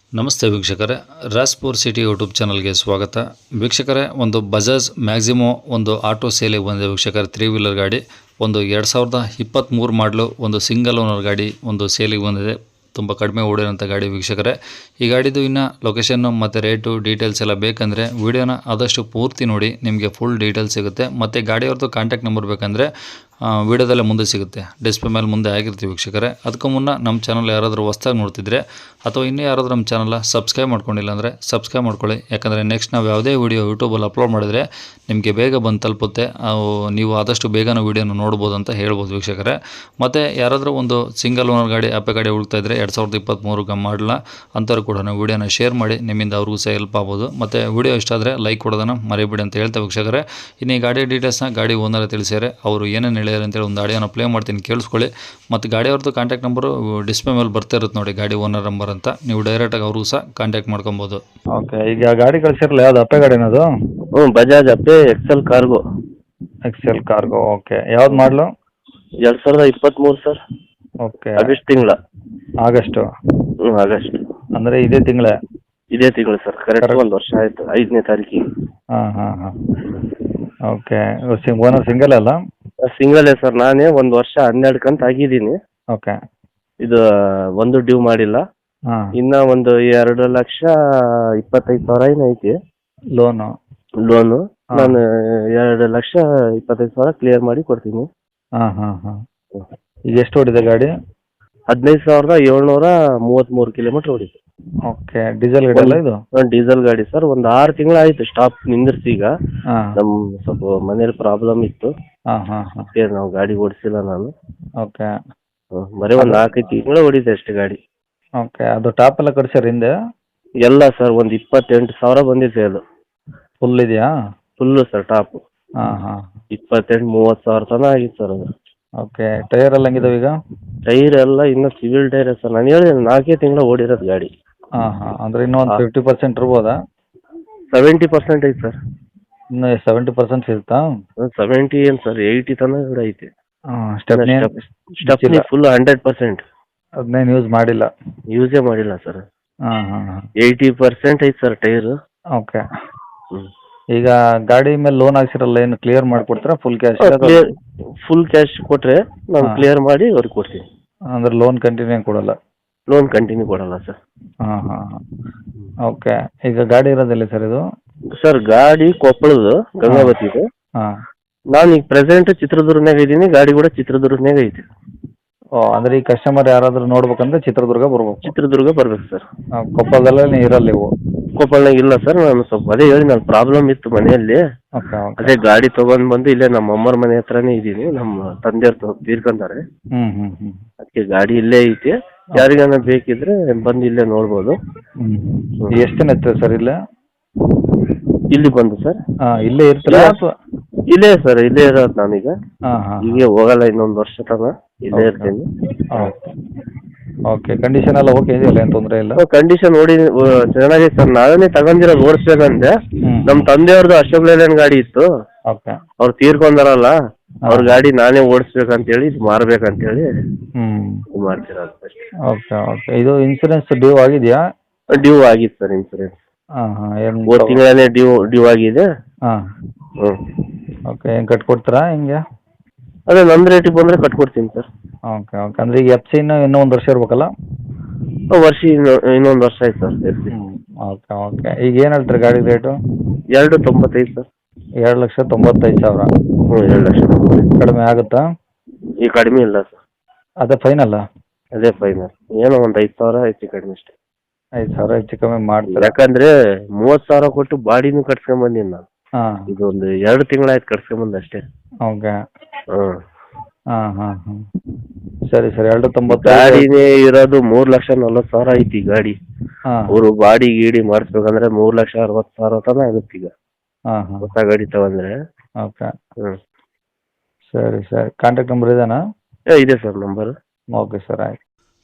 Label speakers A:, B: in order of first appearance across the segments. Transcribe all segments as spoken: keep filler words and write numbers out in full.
A: ನಮಸ್ತೆ ವೀಕ್ಷಕರೇ, ರಾಜ್ಪುರ್ city YouTube ಚಾನಲ್ಗೆ ಸ್ವಾಗತ. ವೀಕ್ಷಕರೇ, ಒಂದು ಬಜಾಜ್ ಮ್ಯಾಕ್ಸಿಮೋ ಒಂದು ಆಟೋ ಸೇಲಿಗೆ ಬಂದಿದೆ ವೀಕ್ಷಕರೇ. ತ್ರೀ ವೀಲರ್ ಗಾಡಿ, ಒಂದು ಎರಡು ಸಾವಿರದ ಇಪ್ಪತ್ತ್ಮೂರು ಮಾಡಲು, ಒಂದು ಸಿಂಗಲ್ ಓನರ್ ಗಾಡಿ ಒಂದು ಸೇಲಿಗೆ ಬಂದಿದೆ. ತುಂಬ ಕಡಿಮೆ ಓಡಿರೋಂಥ ಗಾಡಿ ವೀಕ್ಷಕರೇ. ಈ ಗಾಡಿದು ಇನ್ನು ಲೊಕೇಶನ್ನು ಮತ್ತು ರೇಟು ಡೀಟೇಲ್ಸ್ ಎಲ್ಲ ಬೇಕಂದರೆ ವೀಡಿಯೋನ ಆದಷ್ಟು ಪೂರ್ತಿ ನೋಡಿ, ನಿಮಗೆ ಫುಲ್ ಡೀಟೇಲ್ಸ್ ಸಿಗುತ್ತೆ. ಮತ್ತು ಗಾಡಿಯವ್ರದ್ದು ಕಾಂಟ್ಯಾಕ್ಟ್ ನಂಬರ್ ಬೇಕಂದರೆ ವೀಡಿಯೋದಲ್ಲೇ ಮುಂದೆ ಸಿಗುತ್ತೆ, ಡಿಸ್ಪ್ಲೇ ಮೇಲೆ ಮುಂದೆ ಆಗಿರ್ತೀವಿ ವೀಕ್ಷಕರೇ. ಅದಕ್ಕೂ ಮುನ್ನ ನಮ್ಮ ಚಾನಲ್ ಯಾರಾದರೂ ಹೊಸ್ದಾಗಿ ನೋಡ್ತಿದ್ರೆ ಅಥವಾ ಇನ್ನೂ ಯಾರಾದರೂ ನಮ್ಮ ಚಾನಲ್ನ ಸಬ್ಸ್ಕ್ರೈಬ್ ಮಾಡ್ಕೊಂಡಿಲ್ಲ ಅಂದರೆ ಸಬ್ಸ್ಕ್ರೈಬ್ ಮಾಡ್ಕೊಳ್ಳಿ. ಯಾಕಂದರೆ ನೆಕ್ಸ್ಟ್ ನಾವು ಯಾವುದೇ ವೀಡಿಯೋ ಯೂಟ್ಯೂಬಲ್ಲಿ ಅಪ್ಲೋಡ್ ಮಾಡಿದರೆ ನಿಮಗೆ ಬೇಗ ಬಂದು ತಲುಪುತ್ತೆ, ನೀವು ಆದಷ್ಟು ಬೇಗನೆ ವೀಡಿಯೋನ ನೋಡ್ಬೋದು ಅಂತ ಹೇಳ್ಬೋದು ವೀಕ್ಷಕರೇ. ಮತ್ತು ಯಾರಾದರೂ ಒಂದು ಸಿಂಗಲ್ ಓನರ್ ಗಾಡಿ ಆಪೆ ಗಾಡಿ ಹುಡುಕ್ತಾ ಇದ್ದರೆ ಎರಡು ಸಾವಿರದ ಇಪ್ಪತ್ತ್ಮೂರು ಗಮ್ ಮಾಡಲ ಅಂಥವ್ರು ಕೂಡ ನಾವು ವೀಡಿಯೋನ ಶೇರ್ ಮಾಡಿ, ನಿಮ್ಮಿಂದ ಅವ್ರಿಗೂ ಸಹ ಹೆಲ್ಪ್ ಆಗ್ಬೋದು. ಮತ್ತು ವೀಡಿಯೋ ಇಷ್ಟ ಆದರೆ ಲೈಕ್ ಕೊಡೋದನ್ನು ಮರಿಬೇಡಿ ಅಂತ ಹೇಳ್ತಾ ವೀಕ್ಷಕರೇ. ಇನ್ನು ಈ ಗಾಡಿ ಡೀಟೇಲ್ಸ್ನ ಗಾಡಿ ಓನರ್ ತಿಳಿಸಿದರೆ ಅವರು ಏನೇನು ಹೇಳ್ಯಾರ ಅಂತೇಳಿ ಒಂದು ಆಡಿಯೋನ ಪ್ಲೇ ಮಾಡ್ತೀನಿ, ಕೇಳಿಸ್ಕೊಳ್ಳಿ. ಮತ್ತು ಗಾಡಿಯವ್ರದ್ದು ಕಾಂಟ್ಯಾಕ್ಟ್ ನಂಬರು ಡಿಸ್ಪ್ಲೇ ಮೇಲೆ ಬರ್ತಾ ಇರುತ್ತೆ ನೋಡಿ, ಗಾಡಿ ಓನರ್ ನಂಬರ್ ಅಂತ. ನೀವು ಡೈರೆಕ್ಟಾಗಿ ಅವ್ರಿಗೂ ಸಹ ಕಾಂಟ್ಯಾಕ್ಟ್ ಮಾಡ್ಕೊಬೋದು.
B: ಓಕೆ, ಈಗ ಗಾಡಿ ಕಳಿಸಿರಲ್ಲ, ಯಾವ್ದು ಅಪ್ಪೆ ಗಾಡಿ ಅದು?
C: ಹ್ಞೂ Bajaj Ape excel cargo.
B: Excel cargo, okay. ಯಾವ್ದು ಮಾಡಲು?
C: ಎರಡು ಸಾವಿರದ ಇಪ್ಪತ್ತ್ಮೂರು ಸರ್.
B: ಓಕೆ,
C: ಆಗಸ್ಟ್ ತಿಂಗಳ.
B: ಆಗಸ್ಟು?
C: ಹ್ಞೂ ಆಗಸ್ಟ್.
B: ಅಂದರೆ ಇದೇ ತಿಂಗಳೇ?
C: ಇದೇ ತಿಂಗಳು ಸರ್, ಕರೆಕ್ಟ್ ಒಂದು ವರ್ಷ ಆಯಿತು, ಐದನೇ ತಾರೀಕಿಗೆ.
B: ಹಾಂ ಹಾಂ ಹಾಂ ಓಕೆ. ಓನರ್ ಸಿಂಗಲ್ ಅಲ್ಲ?
C: ಸಿಂಗಲೇ ಸರ್, ನಾನೇ ಒಂದು ವರ್ಷ ಹನ್ನೆರಡು ಕಂತು ಆಗಿದ್ದೀನಿ.
B: ಓಕೆ.
C: ಇದು ಒಂದು ಡ್ಯೂ ಮಾಡಿಲ್ಲ.
B: ಹಾಂ.
C: ಇನ್ನು ಒಂದು ಎರಡು ಲಕ್ಷ ಇಪ್ಪತ್ತೈದು ಸಾವಿರ ಏನು ಐತಿ
B: ಲೋನು?
C: ಲೋನು. ನಾನು ಎರಡು ಲಕ್ಷ ಇಪ್ಪತ್ತೈದು ಸಾವಿರ ಕ್ಲಿಯರ್ ಮಾಡಿ ಕೊಡ್ತೀನಿ.
B: ಹಾಂ ಹಾಂ ಹಾಂ ಈಗ ಎಷ್ಟು ಓಡಿದೆ ಗಾಡಿ?
C: ಹದಿನೈದು ಸಾವಿರದ ಏಳ್ನೂರ ಮೂವತ್ತ್ಮೂರು ಕಿಲೋಮೀಟ್ರ್ ಓಡಿದೆ.
B: ಓಕೆ, ಡೀಸೆಲ್ ಗಾಡಿ ಅಲ್ಲ ಇದು?
C: ಡೀಸೆಲ್ ಗಾಡಿ ಸರ್. ಒಂದು ಆರು ತಿಂಗಳು ಆಯಿತು ಸ್ಟಾಪ್ ನಿಂದಿರ್ಸಿ. ಈಗ
B: ಹಾಂ.
C: ನಮ್ಮ ಸ್ವಲ್ಪ ಮನೇಲಿ ಪ್ರಾಬ್ಲಮ್ ಇತ್ತು,
B: ಹಾಂ ಹಾಂ ಹಾಂ
C: ಅದಕ್ಕೆ ನಾವು ಗಾಡಿ ಓಡಿಸಿಲ್ಲ ನಾನು.
B: ಓಕೆ.
C: ಹ್ಮ್, ಬರೀ ಒಂದು ನಾಲ್ಕೈದು ತಿಂಗಳು ಓಡಿದೆ ಅಷ್ಟೇ ಗಾಡಿ.
B: ಓಕೆ, ಅದು ಟಾಪ್ ಎಲ್ಲ ಕಟ್ಸ್ಯಾರ ಹಿಂದೆ?
C: ಎಲ್ಲ ಸರ್, ಒಂದು ಇಪ್ಪತ್ತೆಂಟು ಸಾವಿರ ಬಂದಿದೆ ಅದು.
B: ಫುಲ್ ಇದೆಯಾ?
C: Full sir, top.
B: ಹಾಂ ಹಾಂ
C: ಇಪ್ಪತ್ತೆಂಟು ಮೂವತ್ತು ಸಾವಿರ ತನಕ ಆಗಿತ್ತು ಸರ್ ಅದು.
B: ಓಕೆ, ಟೈರ್ ಎಲ್ಲ ಹೆಂಗಿದಾವೆ ಈಗ?
C: ಟೈರ್ ಎಲ್ಲ ಇನ್ನೂ ಸಿವಿಲ್ ಟೈರ್ ಸರ್. ನಾನು ಹೇಳಿದೆ ನಾಲ್ಕೇ ತಿಂಗಳು ಓಡಿರೋದು ಗಾಡಿ.
B: ಹಾಂ ಹಾಂ ಅಂದರೆ ಇನ್ನೂ ಒಂದು ಫಿಫ್ಟಿ ಪರ್ಸೆಂಟ್ ಇರ್ಬೋದಾ?
C: ಸೆವೆಂಟಿ ಪರ್ಸೆಂಟ್ ಐತೆ ಸರ್.
B: ಇನ್ನು ಸೆವೆಂಟಿ ಪರ್ಸೆಂಟ್ ಸಿಗುತ್ತಾ?
C: ಸೆವೆಂಟಿ ಏನು ಸರ್, ಏಯ್ಟಿ ತನಕ ಕೂಡ ಐತೆ.
B: ಹಾಂ. Stepney?
C: Stepney full hundred percent.
B: ಅದನ್ನೇನು ಯೂಸ್ ಮಾಡಿಲ್ಲ?
C: ಯೂಸೇ ಮಾಡಿಲ್ಲ ಸರ್.
B: ಹಾಂ ಹಾಂ ಹಾಂ
C: ಏಯ್ಟಿ ಪರ್ಸೆಂಟ್ ಐತೆ ಸರ್ ಟೈರು.
B: ಓಕೆ.
C: ಹ್ಞೂ.
B: ಈಗ ಗಾಡಿ ಮೇಲೆ ಲೋನ್ ಹಾಕ್ಸಿರಲ್ಲ, ಏನು ಕ್ಲಿಯರ್ ಮಾಡಿಕೊಡ್ತೀರಾ full cash?
C: Clear full cash ಕೊಟ್ಟರೆ ನಾನು
B: ಹಾ.
C: ಕ್ಲಿಯರ್ ಮಾಡಿ ಅವ್ರಿಗೆ ಕೊಡ್ತೀನಿ.
B: ಅಂದ್ರೆ ಲೋನ್ ಕಂಟಿನ್ಯೂ ಕೊಡಲ್ಲ?
C: ಲೋನ್ ಕಂಟಿನ್ಯೂ ಕೊಡಲ್ಲ ಸರ್.
B: ಹಾಂ ಹಾಂ ಹಾಂ ಓಕೆ. ಈಗ ಗಾಡಿ ಇರೋದಿಲ್ಲ ಸರ್ ಇದು?
C: ಸರ್ ಗಾಡಿ ಕೊಪ್ಪಳದು ಗಂಗಾವತಿದು.
B: ಹಾಂ.
C: ನಾನು ಈಗ ಪ್ರೆಸೆಂಟ್ ಚಿತ್ರದುರ್ಗನಾಗ ಇದ್ದೀನಿ, ಗಾಡಿ ಕೂಡ ಚಿತ್ರದುರ್ಗನಾಗ ಐತಿ.
B: ಓ, ಅಂದರೆ ಈ ಕಸ್ಟಮರ್ ಯಾರಾದರೂ ನೋಡ್ಬೇಕಂದ್ರೆ ಚಿತ್ರದುರ್ಗ ಬರ್ಬೇಕು?
C: ಚಿತ್ರದುರ್ಗ ಬರ್ಬೇಕು ಸರ್.
B: ಹಾಂ, ಕೊಪ್ಪಳದಲ್ಲೇ ಇರಲ್ಲ ನೀವು?
C: ಕೊಪ್ಪಳನಾಗ ಇಲ್ಲ ಸರ್. ನಾನು ಸ್ವಲ್ಪ ಅದೇ ಹೇಳಿ, ನಾನು ಪ್ರಾಬ್ಲಮ್ ಇತ್ತು ಮನೆಯಲ್ಲಿ.
B: Okay okay.
C: ಅದೇ ಗಾಡಿ ತೊಗೊಂಡು ಬಂದು ಇಲ್ಲೇ ನಮ್ಮ ಅಮ್ಮರ ಮನೆ ಹತ್ರನೇ ಇದ್ದೀನಿ. ನಮ್ಮ ತಂದೆಯವ್ರು ತೀರ್ಕೊಂತಾರೆ,
B: ಹ್ಞೂ ಹ್ಞೂ ಹ್ಞೂ
C: ಅದಕ್ಕೆ ಗಾಡಿ ಇಲ್ಲೇ ಐತಿ. ಯಾರಿಗಾನ ಬೇಕಿದ್ರೆ ಬಂದು ಇಲ್ಲೇ ನೋಡ್ಬೋದು.
B: ಹ್ಞೂ ಎಷ್ಟು ದಿನ ಇರ್ತದೆ ಸರ್ ಇಲ್ಲೇ?
C: ಇಲ್ಲಿ ಬಂದು ಸರ್?
B: ಹಾಂ, ಇಲ್ಲೇ ಇರ್ತೀರಾ ಅಥವಾ?
C: ಇಲ್ಲೇ ಸರ್, ಇಲ್ಲೇ ಇರೋದು ನಾನೀಗ.
B: ಹಾಂ ಹಾಂ
C: ಹೀಗೆ ಹೋಗಲ್ಲ ಇನ್ನೊಂದು ವರ್ಷ ತನಕ, ಇಲ್ಲೇ ಇರ್ತೀನಿ.
B: Okay okay. ಕಂಡೀಷನ್ ಎಲ್ಲ ಓಕೆ ಇದೆಯಲ್ಲ, ಏನು ತೊಂದರೆ ಇಲ್ಲ?
C: ಕಂಡೀಷನ್ ನೋಡಿ ಚೆನ್ನಾಗಿದೆ ಸರ್. ನಾವೇನೇ ತಗೊಂಡಿರೋದು ಓಡಿಸ್ಬೇಕಂದ್ರೆ,
B: ಹ್ಞೂ.
C: ನಮ್ಮ ತಂದೆಯವ್ರದ್ದು ಅಶೋಕ್ ಲೇಲ್ಯಾಂಡ್ ಗಾಡಿ ಇತ್ತು,
B: ಓಕೆ.
C: ಅವ್ರು ತೀರ್ಕೊಂಡಾರಲ್ಲ, ಅವ್ರ ಗಾಡಿ ನಾನೇ ಓಡಿಸ್ಬೇಕಂತೇಳಿ ಇದು ಮಾರ್ಬೇಕಂತೇಳಿ
B: ಹ್ಞೂ.
C: ಇದು ಮಾಡ್ತಿರೋದು ಅಷ್ಟೇ.
B: Okay okay. ಇದು ಇನ್ಸೂರೆನ್ಸ್ ಡ್ಯೂ ಆಗಿದೆಯಾ?
C: ಡ್ಯೂ ಆಗಿತ್ತು ಸರ್ ಇನ್ಸೂರೆನ್ಸ್.
B: ಹಾಂ ಹಾಂ ಏನು?
C: ಮೂರು ತಿಂಗಳೇ ಡ್ಯೂ ಡ್ಯೂ ಆಗಿದೆ.
B: ಹಾಂ.
C: ಹ್ಞೂ.
B: ಓಕೆ, ಹೆಂಗೆ ಕಟ್ಕೊಡ್ತೀರಾ ಹೆಂಗೆ?
C: ಅದೇ ನನ್ನ ರೇಟಿಗೆ ಬಂದರೆ ಕಟ್ಕೊಡ್ತೀನಿ ಸರ್.
B: Okay okay. ಅಂದರೆ ಈಗ ಎಫ್ ಸಿ ಇನ್ನೂ ಇನ್ನೂ ಒಂದು ವರ್ಷ ಇರ್ಬೇಕಲ್ಲ?
C: ವರ್ಷ ಇನ್ನು ಇನ್ನೊಂದು ವರ್ಷ ಆಯ್ತು ಸರ್ ಎಫ್ ಸಿ.
B: ಹ್ಞೂ. Okay okay. ಈಗ ಏನು ಹೇಳ್ತೀರಿ ಗಾಡಿ ರೇಟು?
C: ಎರಡು ತೊಂಬತ್ತೈದು ಸರ್.
B: ಎರಡು ಲಕ್ಷ ತೊಂಬತ್ತೈದು ಸಾವಿರ?
C: ಹ್ಞೂ, ಎರಡು ಲಕ್ಷ ತೊಂಬತ್ತೈದು.
B: ಕಡಿಮೆ ಆಗುತ್ತಾ?
C: ಈಗ ಕಡಿಮೆ ಇಲ್ಲ ಸರ್.
B: ಅದೇ ಫೈನಲ್ಲ?
C: ಅದೇ ಫೈನಲ್. ಏನೋ ಒಂದು ಐದು ಸಾವಿರ ಹೆಚ್ಚು ಕಡಿಮೆ ಅಷ್ಟೇ.
B: ಐದು ಸಾವಿರ ಹೆಚ್ಚು ಕಮ್ಮಿ ಮಾಡ್ತೀರಾ?
C: ಯಾಕಂದ್ರೆ ಮೂವತ್ತು ಸಾವಿರ ಕೊಟ್ಟು ಬಾಡಿನೂ ಕಟ್ಸ್ಕೊಂಬಂದಿನಿ ನಾನು.
B: ಹಾಂ.
C: ಇದೊಂದು ಎರಡು ತಿಂಗಳಾಯ್ತು ಕಟ್ಸ್ಕೊಂಬಂದು ಅಷ್ಟೇ.
B: ಓಕೆ.
C: ಹ್ಞೂ.
B: ಹಾಂ ಹಾಂ ಹಾಂ ಸರಿ ಸರಿ. ಎರಡು ತೊಂಬತ್ತು
C: ಗಾಡಿನೇ ಇರೋದು ಮೂರು ಲಕ್ಷ ನಲ್ವತ್ತು ಸಾವಿರ ಐತಿ ಗಾಡಿ.
B: ಹಾಂ.
C: ಅವರು ಬಾಡಿ ಗೀಡಿ ಮಾಡಿಸ್ಬೇಕಂದ್ರೆ ಮೂರು ಲಕ್ಷ ಅರವತ್ತು ಸಾವಿರ ತನಕ ಆಗುತ್ತೆ ಈಗ
B: ಹಾಂ ಹಾಂ
C: ಹೊಸ ಗಾಡಿ ತಗೊಂಡ್ರೆ.
B: ಓಕೆ.
C: ಹ್ಞೂ.
B: ಸರಿ ಸರಿ. ಕಾಂಟ್ಯಾಕ್ಟ್ ನಂಬರ್ ಇದೇನಾ?
C: ಏ ಇದೆ ಸರ್ ನಂಬರ್.
B: ಓಕೆ ಸರ್, ಆಯ್ತು.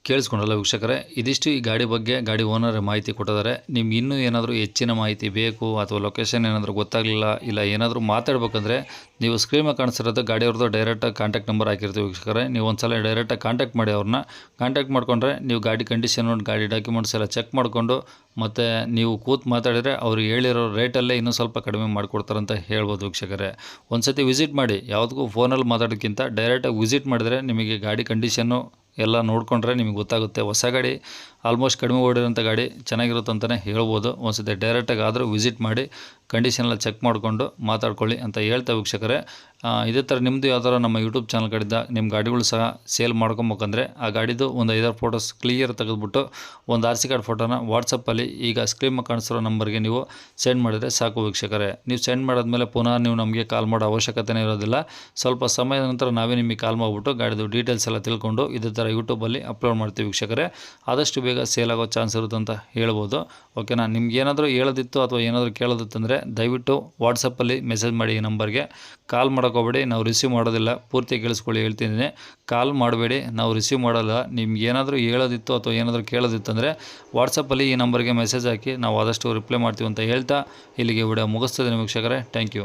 A: ಕೇಳಿಸ್ಕೊಂಡಲ್ಲ ವೀಕ್ಷಕರೇ, ಇದಿಷ್ಟು ಈ ಗಾಡಿ ಬಗ್ಗೆ ಗಾಡಿ ಓನರ್ ಮಾಹಿತಿ ಕೊಟ್ಟಿದ್ದಾರೆ. ನಿಮ್ಗೆ ಇನ್ನೂ ಏನಾದರೂ ಹೆಚ್ಚಿನ ಮಾಹಿತಿ ಬೇಕು ಅಥವಾ ಲೊಕೇಶನ್ ಏನಾದರೂ ಗೊತ್ತಾಗಲಿಲ್ಲ ಇಲ್ಲ ಏನಾದರೂ ಮಾತಾಡ್ಬೇಕಂದ್ರೆ ನೀವು ಸ್ಕ್ರೀನ್ ಮೇಲೆ ಕಾಣಿಸ್ತಿರೋದು ಗಾಡಿಯವ್ರದ್ದು ಡೈರೆಕ್ಟಾಗಿ ಕಾಂಟ್ಯಾಕ್ಟ್ ನಂಬರ್ ಹಾಕಿರ್ತೀವಿ ವೀಕ್ಷಕರೇ. ನೀವು ಒಂದ್ಸಲ ಡೈರೆಕ್ಟಾಗಿ ಕಾಂಟ್ಯಾಕ್ಟ್ ಮಾಡಿ ಅವ್ರನ್ನ. ಕಾಂಟ್ಯಾಕ್ಟ್ ಮಾಡ್ಕೊಂಡ್ರೆ ನೀವು ಗಾಡಿ ಕಂಡೀಷನ್ ಗಾಡಿ ಡಾಕ್ಯುಮೆಂಟ್ಸ್ ಎಲ್ಲ ಚೆಕ್ ಮಾಡಿಕೊಂಡು ಮತ್ತು ನೀವು ಕೂತು ಮಾತಾಡಿದರೆ ಅವರು ಹೇಳಿರೋ ರೇಟಲ್ಲೇ ಇನ್ನೂ ಸ್ವಲ್ಪ ಕಡಿಮೆ ಮಾಡಿಕೊಡ್ತಾರಂತ ಹೇಳ್ಬೋದು ವೀಕ್ಷಕರೇ. ಒಂದು ಸತಿ ವಿಸಿಟ್ ಮಾಡಿ, ಯಾವುದಕ್ಕೂ ಫೋನಲ್ಲಿ ಮಾತಾಡೋಕ್ಕಿಂತ ಡೈರೆಕ್ಟಾಗಿ ವಿಸಿಟ್ ಮಾಡಿದರೆ ನಿಮಗೆ ಗಾಡಿ ಕಂಡೀಷನ್ನು ಎಲ್ಲ ನೋಡಿಕೊಂಡ್ರೆ ನಿಮಗೆ ಗೊತ್ತಾಗುತ್ತೆ. ಹೊಸ ಗಾಡಿ ಆಲ್ಮೋಸ್ಟ್ ಕಡಿಮೆ ಓಡಿರೋಂಥ ಗಾಡಿ ಚೆನ್ನಾಗಿರುತ್ತೆ ಅಂತಲೇ ಹೇಳ್ಬೋದು. ಒಂದು ಸತಿ ಡೈರೆಕ್ಟಾಗಿ ಆದರೂ ವಿಸಿಟ್ ಮಾಡಿ ಕಂಡೀಷನ್ ಎಲ್ಲ ಚೆಕ್ ಮಾಡಿಕೊಂಡು ಮಾತಾಡ್ಕೊಳ್ಳಿ ಅಂತ ಹೇಳ್ತಾ ವೀಕ್ಷಕರೇ. ಇದೇ ಥರ ನಿಮ್ಮದು ಯಾವ್ದಾರು ನಮ್ಮ ಯೂಟ್ಯೂಬ್ ಚಾನಲ್ ಕಡೆಯಿಂದ ನಿಮ್ಮ ಗಾಡಿಗಳು ಸಹ ಸೇಲ್ ಮಾಡ್ಕೊಬೇಕಂದ್ರೆ ಆ ಗಾಡಿದು ಒಂದು ಐದಾರು ಫೋಟೋಸ್ ಕ್ಲಿಯರ್ ತೆಗೆದುಬಿಟ್ಟು ಒಂದು ಆರ್ ಸಿ ಕಾರ್ಡ್ ಫೋಟೋನ ವಾಟ್ಸಪ್ಪಲ್ಲಿ ಈಗ ಸ್ಕ್ರೀನ್ ಕಾಣಿಸಿರೋ ನಂಬರ್ಗೆ ನೀವು ಸೆಂಡ್ ಮಾಡಿದರೆ ಸಾಕು ವೀಕ್ಷಕರೇ. ನೀವು ಸೆಂಡ್ ಮಾಡಾದ್ಮೇಲೆ ಪುನಃ ನೀವು ನಮಗೆ ಕಾಲ್ ಮಾಡೋ ಅವಶ್ಯಕತೆನೇ ಇರೋದಿಲ್ಲ. ಸ್ವಲ್ಪ ಸಮಯದ ನಂತರ ನಾವೇ ನಿಮಗೆ ಕಾಲ್ ಮಾಡಿಬಿಟ್ಟು ಗಾಡಿದು ಡೀಟೇಲ್ಸ್ ಎಲ್ಲ ತಿಳ್ಕೊಂಡು ಇದೇ ಥರ ಯೂಟ್ಯೂಬಲ್ಲಿ ಅಪ್ಲೋಡ್ ಮಾಡ್ತೀವಿ ವೀಕ್ಷಕರೇ. ಆದಷ್ಟು ಬೇಗ ಸೇಲ್ ಆಗೋ ಚಾನ್ಸ್ ಇರುತ್ತೆ ಅಂತ ಹೇಳ್ಬೋದು. ಓಕೆನಾ, ನಿಮ್ಗೆ ಏನಾದರೂ ಹೇಳೋದಿತ್ತು ಅಥವಾ ಏನಾದರೂ ಕೇಳೋದಿತ್ತಂದರೆ ದಯವಿಟ್ಟು ವಾಟ್ಸಪ್ಪಲ್ಲಿ ಮೆಸೇಜ್ ಮಾಡಿ. ಈ ನಂಬರ್ಗೆ ಕಾಲ್ ಮಾಡೋಕೋಬೇಡಿ, ನಾವು ರಿಸೀವ್ ಮಾಡೋದಿಲ್ಲ. ಪೂರ್ತಿ ಕೇಳಿಸ್ಕೊಳ್ಳಿ ಹೇಳ್ತಿದ್ದೀನಿ, ಕಾಲ್ ಮಾಡಬೇಡಿ, ನಾವು ರಿಸೀವ್ ಮಾಡೋಲ್ಲ. ನಿಮ್ಗೆ ಏನಾದರೂ ಹೇಳೋದಿತ್ತು ಅಥವಾ ಏನಾದರೂ ಕೇಳೋದಿತ್ತಂದರೆ ವಾಟ್ಸಪ್ಪಲ್ಲಿ ಈ ನಂಬರ್ಗೆ ಮೆಸೇಜ್ ಹಾಕಿ ನಾವು ಆದಷ್ಟು ರಿಪ್ಲೈ ಮಾಡ್ತೀವಿ ಅಂತ ಹೇಳ್ತಾ ಇಲ್ಲಿಗೆ ವಿಡಿಯೋ ಮುಗಿಸ್ತಿದ್ದೀನಿ ವೀಕ್ಷಕರೇ. Thank you.